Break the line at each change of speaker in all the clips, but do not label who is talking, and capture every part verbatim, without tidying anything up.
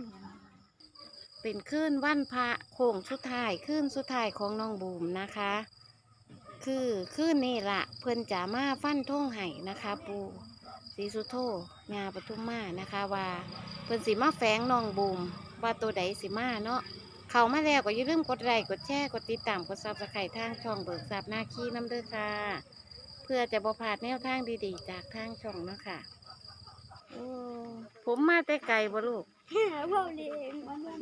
เป็นคืนวันพระโค้งสุดท้ายคืนสุดท้ายของน้องบูมนะคะ คือคืนนี้ละเพิ่นจะมาฟันท่งไห้นะคะ ปูศรีสุโธญาปทุมมานะคะ ว่าเพิ่นสิมาแฝงน้องบูมว่าตัวใดสิมาเนาะเข้ามาแล้วก็อย่าลืมกดไลค์กดแชร์กดติดตามกดซับสไครต์ทางช่องเบิกทรัพย์นาคีน้ำเด้อค่ะ เพื่อจะบ่พลาดแนวทางดีๆจากทางช่องเนาะค่ะโอ้ผมมาแต่ไกลบ่ลูก
พ่อเลี้ยง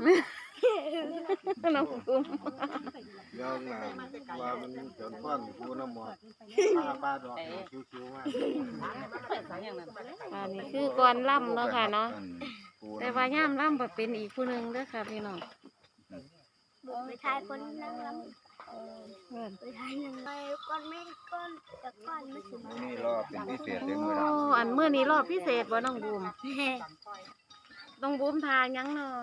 น้องบูม
ยาวงามว่ามันเกินฟันกูน้ำหมดป้าป้าดอกคิ้วๆมาก
อันนี้คือก่อนล่ำเนาะค่ะเนาะแต่ว่าย่ามล่ำแบบเป็นอีกผู้หนึ่งเด้อค่ะพี่น้อง
ไปทายคนนั่งลำไปทายยังไงก้อนไม่ก้อนแต่ก้อนไม่ถึง
นี่รอบเป็นพิเศษเลย
โอ้
มือละ
อันเมื่อนี้รอบพิเศษบ่น้องบูมน้องบูมทายังเนาะ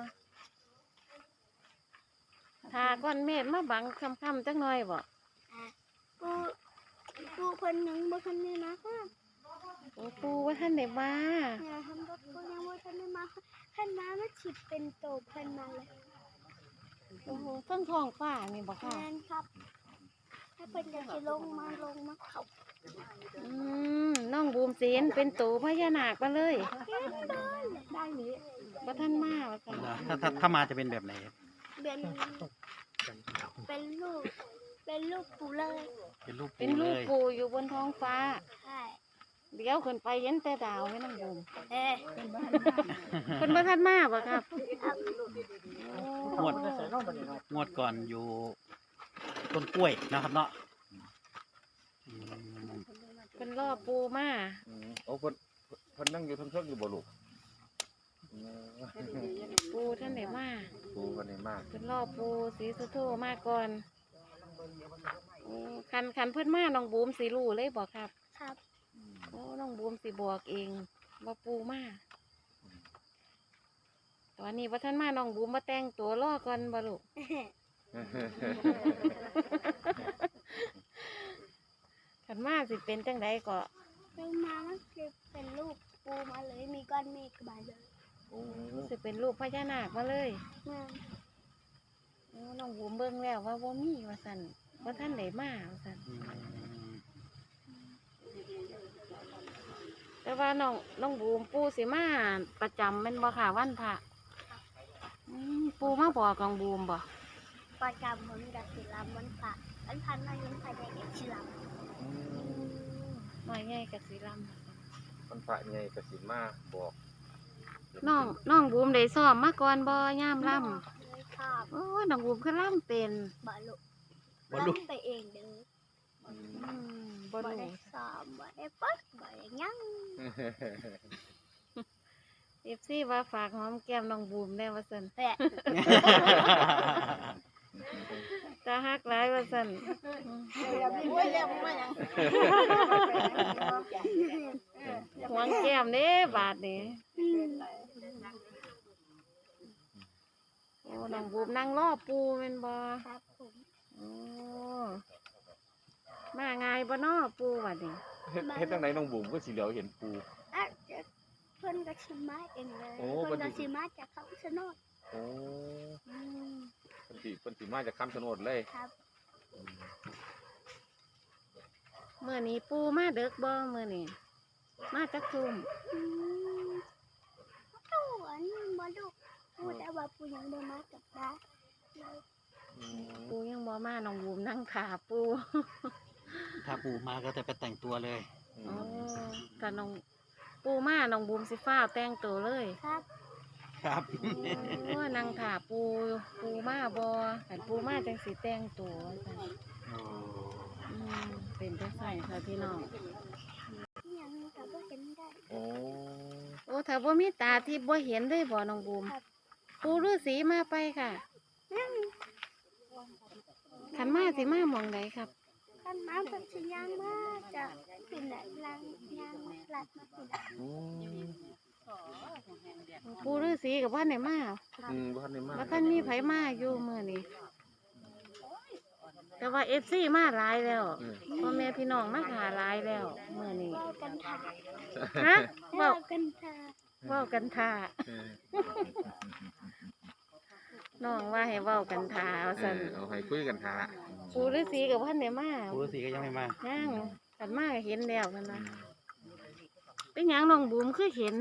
ทาก้อนเมฆมาบังค่ำๆจักหน่อยบ่
กูกูคนหนึ่งบ่คนนี้นะคะ
โอ้ปูว่าท่านได้มา
เนี่ยทำรถกูยังบ่ทันได้มาขันมาไม่ฉิดเป็นโตพันมาเลย
โอ้โหเครื่องท้องฟ้านี่บ่ค่ะ
แม่นครับถ้าเป็นจะสิลงมาลงมาเขา
อืมน้องบูมเสียนเป็นตูพญานาคมาเลย
เฮ็ดบ้านได้นี้
ว่าท่านมาว่าซั่น
ถ้าถ้าถ้ามาจะเป็นแบบไหน
เป็นเป็นลูกเป็นลูกปูเลย
เป็นรูป
เป็น
ปู
ลู
เล
ก
ย
ปูอยู่บนท้องฟ้า
ใช่
เดี๋ยวขึ้นไปเห็นแต่ดาวไว้น้องบูม
เอ๊ะ
เพิ่นบ่ทันมาบ่ครับ
งวดงวดก่อนอยู่ต้นกล้วยนะครับเนาะอืม
เพิ่นรอปูมา
โอ้เพิ่นเพิ่นนั่งอยู่ทั้งเชิงอยู่บ่ลูก
ปูท่านได้มา
กูคนนี้มาก
เพิ่นรอปูศรีสุโธมาก่อนโอ้คันคันเพิ่นมาน้องบูมสิรู้เลยบ่ครับ
ครับ
โอ้น้องบูมสิบอกเองว่าปูมาตอนนี้ว่าท่านมาน้องบูมมาแต่งตัวรอก่อนบ่ลูก ขันมาสิเป็นจังไดก็
ลงมามันคือเป็นลูกปูมาเลยมีก้อนเมฆมาเลย
โอ้
สิเป็นลูกพญานาคมาเลย
แม่
โอ้น้องบูมเบิ่งแล้วว่าบ่มีว่าซั่นว่าท่านได้มาว่าซั่น
อืม
แต่ว่าน้องน้องบูมปูสิมาประจำแม่นบ่ค่ะวันพระอืมปูมาบอกน้องบูมบ่
ประจำผมกับศิลาวันพระวันพันมายุ่งภายในเอกศิลา
น้อยใหญ่กับสีล
มันพระใหญ่กสิมาบอก
ำน้องน้องบูมได้ซ้อมมาก่อนบ่ย่ามล่
เลยชอบ
ำโอ้ยน้องบูมคือล่ำเป็น
บอลุ
บอลลูก
ไปเองเด้อ
อืมบ่
บ่
รู้
ได้สอบบ่ได้ปัดบ่ได้หยัง
เอฟซีว่าฝากหอมแก้มน้องบูมได้ว่าซั่น
แต่
ตาฮักหลายว่าซั่นหวงแก้มเด้บาดนี้โอ้น้องบูมนั่งรอปูแม่นบ่
ครับผม
โอ้มาง่ายบ่น้อปูบัดนี้
เฮ็ดเฮ็ดจังไดน้องบุ๋มก็สิเหลียวเห็นปู
อ่ะเดี๋ยวเพิ่นก็ชิมาเองเลย
โอ้
เพิ่น
เพิ่
ก็
นสิ
ชิมาจากเขาชะโนด
โอ้
อืม
เพิ่นสิเพิ่นสิมาจากคำชะโนดเลย
ครับ
เมื่อนี้ปูมาเด็กบ่เมื่อนี้มาจักทุ่ม
อืมตู้อันบ่ลูกพูดแต่ว่าปูยังบ่มากับบ้านเลย
ปูยังบ่มาน้องบูมนั่งขาปู
ถ้าปูมาก็จะไปแต่งตัวเลย
อ๋อแต่น้องปูมาน้องบูมสิฟ้าวแต่งตัวเลย
ครับ
ครับ
โอ้นั่งขาปูปูมาบ่คันปูมาจังสิแต่งตัวจัง
โอ้
อืมเป็นจังไสค่ะพี่น้อง
ยังก็บ่เห็นได้
โอ้
โอ้ถ้าบ่มีตาที่บ่เห็นได้บ่น้องบูม
ครับ
ปูฤาษีมาไปค่ะ
ยัง
คันมาสิมาหม่องใดครับ
คันมาเพิ่นสิย่างมาจากปิ่นไหนลังย่างลัดมาปิ่น
โอ้
ปูฤาษีกับว่าไหนมา
อืมบ่ทันได้มา
ว่าท่านมีไผมาอยู่มื้อนี้แต่ว่า เอฟ ซี มาหลายแล้ว
อืม
พ่อแม่พี่น้องมาหาหลายแล้วมื้อนี้
เว้ากันท่า
ฮะ
เว้า
เว้า
กันท่า
เว้ากันท่า
เออ
น้องว่าให้เว้ากันทาว่า
เอ
ซั่น
อเอาให้คุยกันทา
ปู่ฤาษีกับพันได้มา
ปู่ฤาษีก็ยังไม่มา
ย่างกันมาก็เห็นแล้วกันนะเป็นหยังน้องบูมคือเห็น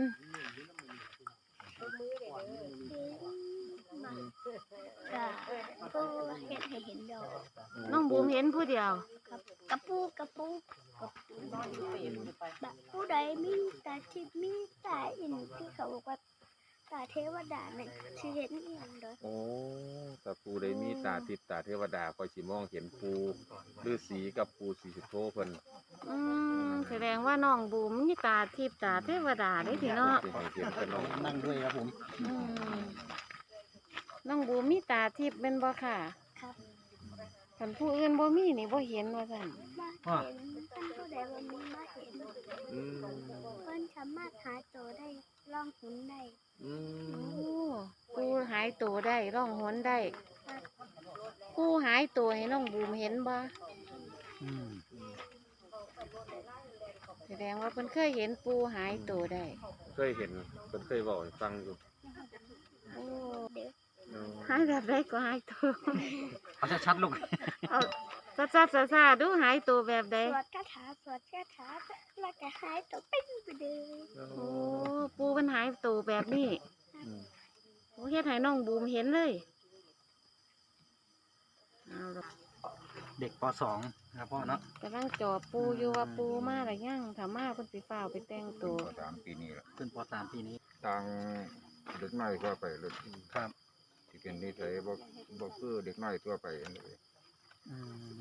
ก็ปูเห็นให้เห็นดอก
น้องบูมเห็นผู้เดียว
กับกระปูกระปูกับปูแบบผู้ใดมีตาทิพย์มีตาอินที่เขาบอกว่าตาเทวดาเนี่ยชื่อเห็นอีหยังเด้อ
โอ้แต่ปูได้มีตาทิพย์ตาเทวดาคอยสิมองเห็นปูฤาษีกับปูศรีสุโธเพิ่น
อืมแสดงว่าน้องบูมมีตาทิพย์ตาเทวดาได้ทีเนาะ
สิให้เห็นเพิ่นเนาะ
นั่งด้วยครับผม
อืมน้องบูมมีตาทิพย์เป็นบ่ค่ะ
ครับ
คันผู้อื่นบ่มีนี่บ่เห็นว่าซั่น
มาเห็นท่านผู้ใดว่ามีมาเห็น
อืม
เพิ่นสามารถหาตัวได้ล่องหุนได้
อื
โอ้
ม
ปูหายตัวได้ร่องหนได้ปูหายตัวให้น้องบูมเห็นบ่
อืม
แสดงว่าเพิ่นเคยเห็นปูหายตัวได้
เคยเห็นเพิ่นเคยบอกให้ฟังอยู่
โอ้
เด็ก
เออ
หายแบบใดก็หายตัว
เอาชัดๆลูก
เอาซัดๆซ่าๆดูหายตัวแบบใด
สวดคาถาสวดคาถาแล้วก็หายตัวเป็นไปเลย
โอ้ปูมันหายตัวแบบนี้
อืม
โอ้เฮ็ดให้น้องบูมเห็นเลยเอาล่ะ
เด็กปสองนะครับพ่อเนาะ
กำลังจอบปูอยู่ว่าปูมาหรือยังถ้ามาเพิ่นสิฟ้าวไปแต่งตัว
สามปีนี้ละ
ขึ้นปสามปีนี้
ต่างเด็กน้อยทั่วไปเลย
ครับ
ที่เป็นนิสัยบ่บ่คือเด็กน้อยทั่วไปอันนี้
อืม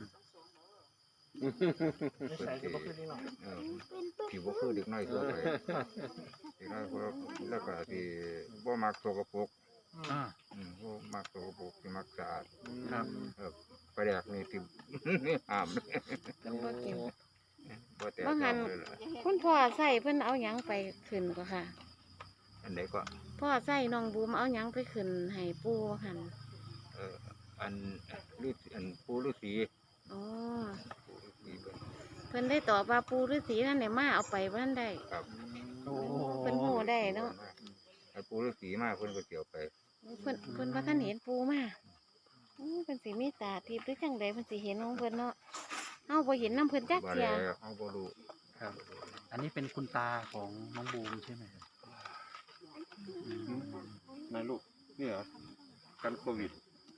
เพิ่นสิเออ
เป็นปุ๊บ
ที่บ่คือเด็กน้อยทั่วไปเด็กน้อยพวกแล้วก็ที่บ่มักสกปรก
อ่า
อืมบ่มักสกปรกที่มักสะอาด
ครับ
เออไปแดกนี่ที่ ห้ามเลย
เพิ่นบ่กิน
บ่แต่
บ่หัน
เลยล่ะ
คุณพ่อใส่เพิ่นเอาหยังไปขึ้นก็ค่ะ
อันไหนก็
พ่อใส่น้องบูมเอาหยังไปขึ้นให้ปูหัน
เอออันฤาษีอันปู่ฤาษี
อ๋อ
ปู่ฤาษีเพิ่น
เพิ่นได้ตอบว่าปูฤาษีนั่นได้มาเอาไปบ่ทันได้
ครับ
โอ้
เพิ่นฮู้ได้เนาะ
ไอ้ปู่ฤาษีมาเพิ่นก็เกี่ยวไป
เพิ่นเพิ่นบ่ทันเห็นปูมาอู้เพิ่นสิมีตาทิพย์หรือจังใดเพิ่นสิเห็นของเพิ่นเนาะเฮาบ่เห็นนำเพิ่นจัก
บ่
เที่ย
ได้เอาบ่รู้
ครับ อันนี้เป็นคุณตาของน้องบูมใช่ไหมครับอืม
นายลูกนี่เหรอกันโควิด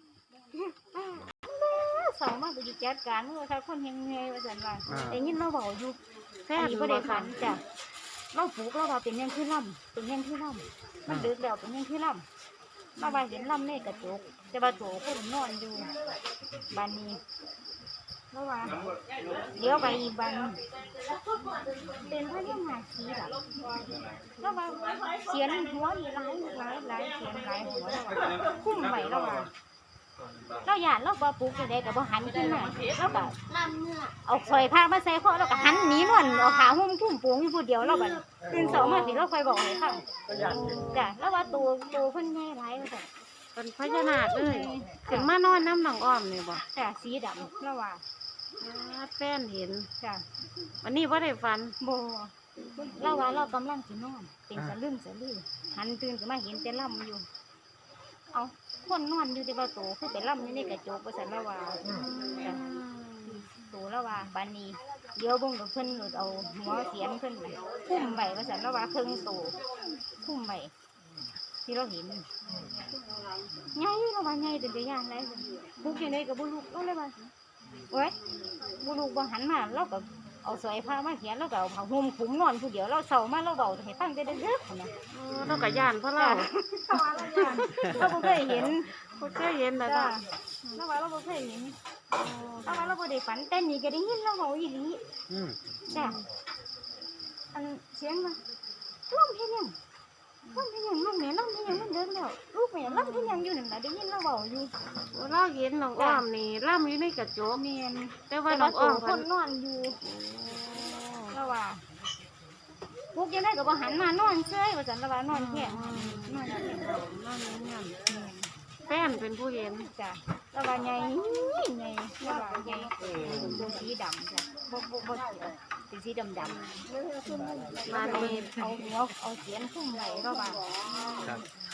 สองมาไปจัดการเมื่อเขาคนเฮงเฮว่าซั่นว่า
อ่า
ได้ยินเราบอกอยู่
แฟน
อันนี้
บ่
บ่
ได้
ได้
ฝั
ฝั
น
นจ้ะเราปลูกเราว่าเป็นยังคือล่ำเป็นยังคือล่ำมันดึกแล้วเป็นยังคือล่ำเราว่าเห็นล่ำในกระจกแต่ว่าโถคนนอนอยู่บ้านนี้เราว่าเดี๋ยวไปอีกบ้านเป็นพญานาคสีดำเราว่าเสียนหัวนี่หลายหลายหลายเสียนหลายหัวเราว่าคุ้มไว้เราว่าเราหยาดเราบ่ปลูกจะได้กับบ่หันขึ้นมาเราก็เอาซอยผ้ามาใส่คอแล้วก็หันหนีนอนเอาขาหุ้มคุ้มปูงอยู่ผู้เดียวเราบัดตื่นสองมาสิเราค่อยบอกให้ฟังจ้ะแล้วว่าตัวตัวเพิ่นใหญ่หลายว่าซั่น
เป็นพญานาคเลยขึ้นมานอนน้ำน้องอ้อมนี่บ่
จ้ะสีดำแล้วว่า
อ่าแฟนเห็น
จ้ะ
วันนี้บ่ได้ฝัน
บ่เราว่าเรากำลังสินอนเป็นสะลึมสะลือหันตื่นขึ้นมาเห็นแต่ล่ำอยู่ เอาคนนอนอยู่ที่ว่าโตคือไปล่ำอยู่ในกระจกว่าซั่นแล้วว่าจ้ะ โตแล้วว่าบานนี้เดี๋ยวเบิ่งกับเพิ่นหลุดเอาหัวเสียนเพิ่นไปคุ้มไว้ว่าซั่นแล้วว่าเครื่องโตคุ้มไว้ที่เราเห็นใหญ่เราว่าใหญ่เป็นตัวอย่างได้บุกอยู่ในกับบุลูกเอาเลยว่าโอ้ยบุลูกบ่หันมาเราก็เอาสอยผ้ามาเขียนแล้วก็เอาผ้าห่มคลุมนอนผู้เดียวเราเศร้ามาเราเบาให้ฟังแต่เด็กๆนะ
โอ้เราก็ย่านเพราะเรา
เราบ่เคยเห็น
บ่เคยเห็นนะ
จ้า
จ้ะ
เราว่าเราบ่เคยเห็นเราว่าเราบ่ได้ฝันแต่นี่ก็ได้ยินเราเว้าอีหลี
อืม
จ้ะอันเสียงว่าล่ำเพียงยังล่ำเพียงยังลูกแม่ล่ำเพียงยังมันเดินแล้วลูกแม่ล่ำเพียงยังอยู่นั่นแหละได้ยินเราเบาอยู่
โอ้เราเห็นน้องอ้อมนี่ล่ำอยู่ในกระจก
เมียน
แต่ว่า
แต่
น้
ว่า
อง
ตั
อ้อ
ว
ม
ค
เพิ่น
นนอนอยู่แล้วว่าพวกยังได้ก็บ่หันมานอนเฉยว่าซั่นแล้วว่านอนแค่นอนแค่
นั่นนี่นั่นแฟนเป็นผู้เห็น
จ้ะแล้วว่าใหญ่ใหญ่แล้วว่าใหญ่ตัวสีดำจ้ะบ่บ่บ่เขียวเป็นสีดำดำ
มานี่
เอาหัวเอาเสียนคุ้มไว้แล้วว่า
ครับ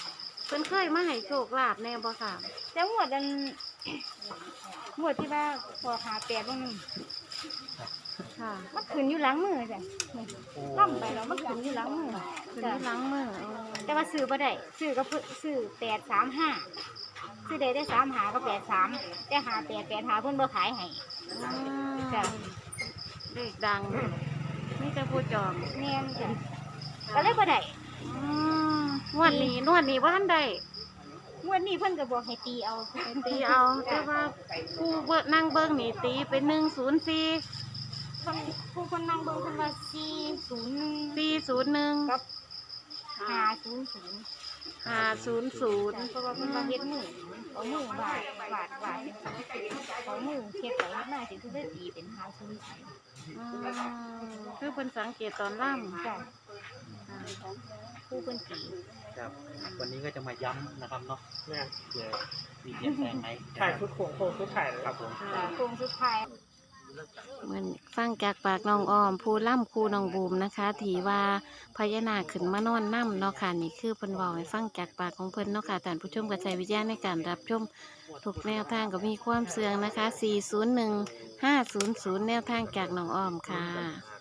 เพิ่นเคยมาให้โชคลาภแน่บ่ค่ะ
แต่งวดอัน งวดที่ว่าพอหาแปดวันหนึง
ค่ะ
มันขึ้นอยู่หลังมือจ้ะนี่ล่ำไปแล้วมันขึ้นอยู่หลังมือ
เพิ่น
จ้ะ
ที่หล้างมือโอ้
แต่ว่าซื้อบ่ได้ซื้อก็เพิ่นซื้อแปดสามห้าซื้อได้ได้สามหาก็แปดสามแต่หาแปดแปดหาเพิ่นบ่ขายให้
อืม
จ้ะ
เลขดังนี่จะผู้จอง
แม่นจ้ะก็เลยบ่ได้
อืมงวดนี้นวดนี้ว่าท่านใด
งวดนี้เพิ่นก็บอกให้ตีเอา
ไปตีเอาแต่ว่าผู้เบิ่งนั่งเบิ่งนี่ตีเป็นหนึ่งศูนย์สี่
เพิ่นผู้คนนั่งเบิ่งเพิ่นว่าสี่ศูนย์หนึ่ง
สี่ศูนย์หนึ่ง
กับห้าศูนย์ศูนย์
ห้าศูนย์ศูนย์
เพราะว่าเพิ่นว่าเฮ็ดมือเอามือวาดวาดวาดเอามือเฮ็ดไปเฮ็ดมาสิคือได้ตีเป็นห้าศูนย์ศูนย์
คือเพิ่นสังเกตตอนล่ำ
จ้ะผู้เพิ่นตี
ครับ วันนี้ก็จะมาย้ำนะครับเนาะ
เนี่ย
เผื่อมีเปลี่ยนแปลงไหม
ถ่ายชุดโค้งโค้งชุดถ่ายเลย
ครับผม
จ้ะโครงสุดท้าย
เหมือนฟังจากปากน้องอ้อมผู้ล่ำครูน้องบูมนะคะถีว่าพญานาคขึ้นมานอนน้ำเนาะค่ะนี่คือเพิ่นบอกให้ฟังจากปากของเพิ่นเนาะค่ะท่านผู้ชมกระจายวิทยาในการรับชมทุกแนวทางก็มีความเสื่องนะคะ สี่ศูนย์หนึ่ง ห้าศูนย์ศูนย์ แนวทางจากน้องอ้อมค่ะ